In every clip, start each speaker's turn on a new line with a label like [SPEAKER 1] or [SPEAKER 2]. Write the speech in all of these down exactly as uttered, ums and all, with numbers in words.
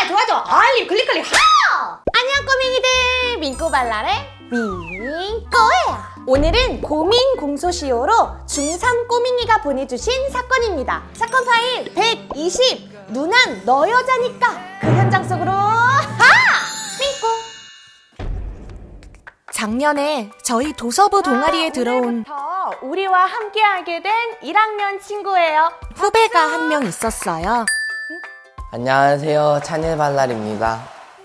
[SPEAKER 1] 도와줘. 알림 클릭 클릭 하! 안녕 꼬맹이들, 민꼬발랄의 민꼬예요. 오늘은 고민 공소시효로 중삼 꼬맹이가 보내주신 사건입니다. 사건 파일 백이십. 누난 너 여자니까 그 현장 속으로 하! 민꼬.
[SPEAKER 2] 작년에 저희 도서부 동아리에 들어온
[SPEAKER 1] 오늘부터 우리와 함께하게 된 일 학년 친구예요.
[SPEAKER 2] 후배가 한 명 있었어요.
[SPEAKER 3] 안녕하세요, 찬일발랄입니다.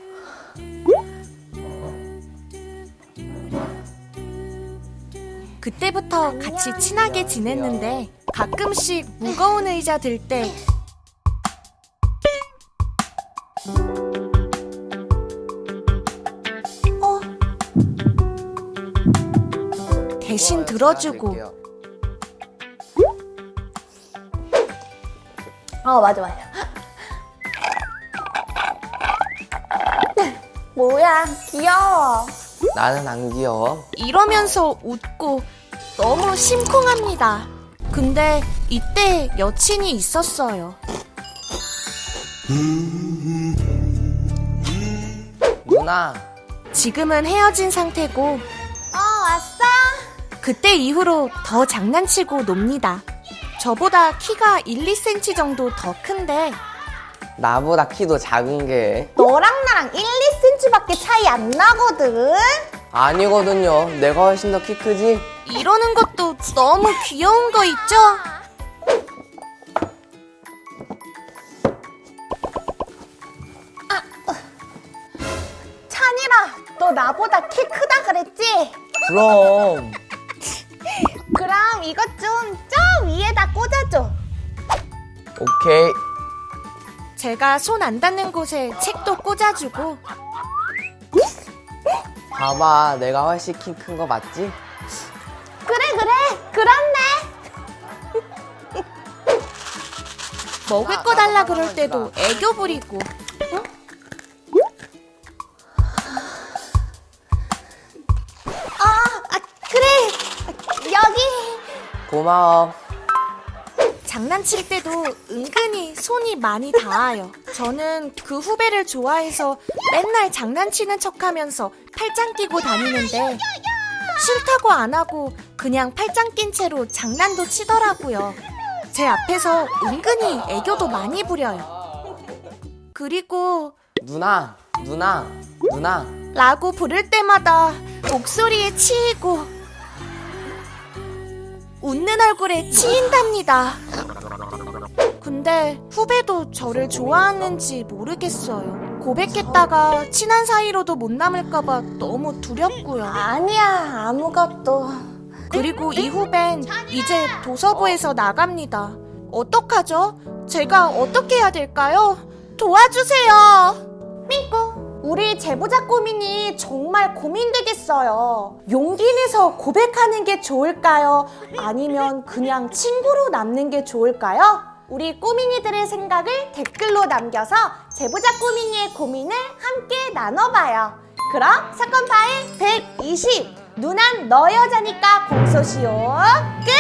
[SPEAKER 2] 그때부터 같이 친하게 지냈는데 가끔씩 무거운 의자 들 때 어? 대신 들어주고
[SPEAKER 1] 어, 맞아 맞아. 뭐야, 귀여워.
[SPEAKER 3] 나는 안 귀여워.
[SPEAKER 2] 이러면서 웃고 너무 심쿵합니다. 근데 이때 여친이 있었어요.
[SPEAKER 3] 누나,
[SPEAKER 2] 지금은 헤어진 상태고
[SPEAKER 1] 어, 왔어?
[SPEAKER 2] 그때 이후로 더 장난치고 놉니다. 저보다 키가 일, 이 센티미터 정도 더 큰데
[SPEAKER 3] 나보다 키도 작은 게
[SPEAKER 1] 너랑 나랑 일, 이 센티미터밖에 차이 안 나거든?
[SPEAKER 3] 아니거든요. 내가 훨씬 더 키 크지?
[SPEAKER 2] 이러는 것도 너무 귀여운 거 있죠?
[SPEAKER 1] 찬이라, 너 나보다 키 크다 그랬지?
[SPEAKER 3] 그럼.
[SPEAKER 1] 그럼 이것 좀 저 위에다 꽂아줘.
[SPEAKER 3] 오케이.
[SPEAKER 2] 제가 손 안 닿는 곳에 책도 꽂아주고
[SPEAKER 3] 봐봐, 내가 훨씬 키 큰 거 맞지?
[SPEAKER 1] 그래 그래, 그렇네.
[SPEAKER 2] 먹을 거 달라 그럴 때도 애교 부리고
[SPEAKER 1] 아, 아 그래, 여기.
[SPEAKER 3] 고마워.
[SPEAKER 2] 장난칠 때도 은근히 손이 많이 닿아요. 저는 그 후배를 좋아해서 맨날 장난치는 척하면서 팔짱 끼고 다니는데 싫다고 안 하고 그냥 팔짱 낀 채로 장난도 치더라고요. 제 앞에서 은근히 애교도 많이 부려요. 그리고
[SPEAKER 3] 누나, 누나, 누나.
[SPEAKER 2] 라고 부를 때마다 목소리에 치이고 웃는 얼굴에 치인답니다. 근데 후배도 저를 좋아하는지 모르겠어요. 고백했다가 친한 사이로도 못 남을까봐 너무 두렵고요.
[SPEAKER 1] 아니야, 아무것도.
[SPEAKER 2] 그리고 이 후배는 이제 도서부에서 나갑니다. 어떡하죠? 제가 어떻게 해야 될까요? 도와주세요.
[SPEAKER 1] 민꼬, 우리 제보자 꼬민이 정말 고민되겠어요. 용기 내서 고백하는 게 좋을까요? 아니면 그냥 친구로 남는 게 좋을까요? 우리 꼬민이들의 생각을 댓글로 남겨서 제보자 꼬민이의 고민을 함께 나눠봐요. 그럼 사건 파일 백이십. 누난 너 여자니까 공소시효 끝!